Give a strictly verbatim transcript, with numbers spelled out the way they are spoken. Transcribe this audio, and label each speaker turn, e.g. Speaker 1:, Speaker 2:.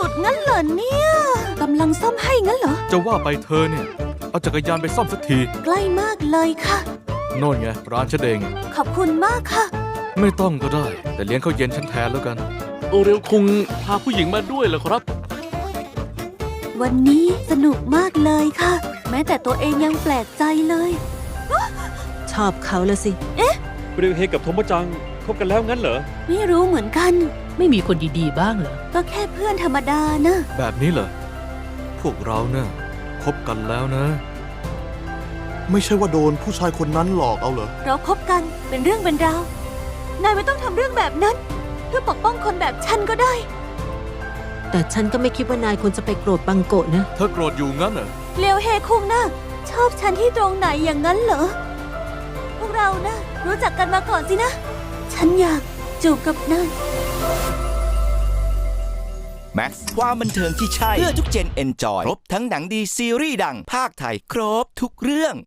Speaker 1: ดงั้นเหรอเนี่ยกำลังซ่อมให้งั้นเหรอ
Speaker 2: จะว่าไปเธอเนี่ยเอาจักรยานไปซ่อมสักที
Speaker 1: ใกล้มากเลยค่ะ
Speaker 2: โน่นไงร้านฉันเอง
Speaker 1: ขอบคุณมากค่ะ
Speaker 2: ไม่ต้องก็ได้แต่เลี้ยงข้าวเย็นฉันแทนแล้วกัน
Speaker 3: โอเรลคงพาผู้หญิงมาด้วยเหรอครับ
Speaker 1: วันนี้สนุกมากเลยค่ะแม้แต่ตัวเองยังแปลกใจเลย
Speaker 4: ชอบเขาละสิ
Speaker 1: เอ๊ะ
Speaker 3: เรียวเฮกับโทโมจังคบกันแล้วงั้นเหรอ
Speaker 1: ไม่รู้เหมือนกัน
Speaker 5: ไม่มีคนดีๆบ้างเหรอ
Speaker 1: ก็แค่เพื่อนธรรมดานะ
Speaker 2: แบบนี้เหรอพวกเราเนี่ยคบกันแล้วนะ
Speaker 6: ไม่ใช่ว่าโดนผู้ชายคนนั้นหลอกเอาเหรอ
Speaker 1: เราคบกันเป็นเรื่องเป็นราวนายไม่ต้องทำเรื่องแบบนั้นเพื่อปกป้องคนแบบฉันก็ได้
Speaker 4: แต่ฉันก็ไม่คิดว่านายควรจะไปโกรธบังโกะนะ
Speaker 2: เธอโกรธอยู่งั้นเหรอ
Speaker 1: เลียวเฮคุงนะชอบฉันที่ตรงไหนอย่างนั้นเหรอพวกเรานะรู้จักกันมาก่อนสินะฉันอยากจูบกับนาย
Speaker 7: แม็กซ์ความบันเทิงที่ใช่เพื่อทุกเจนเอนจอยครบทั้งหนังดีซีรีส์ดังภาคไทยครบทุกเรื่อง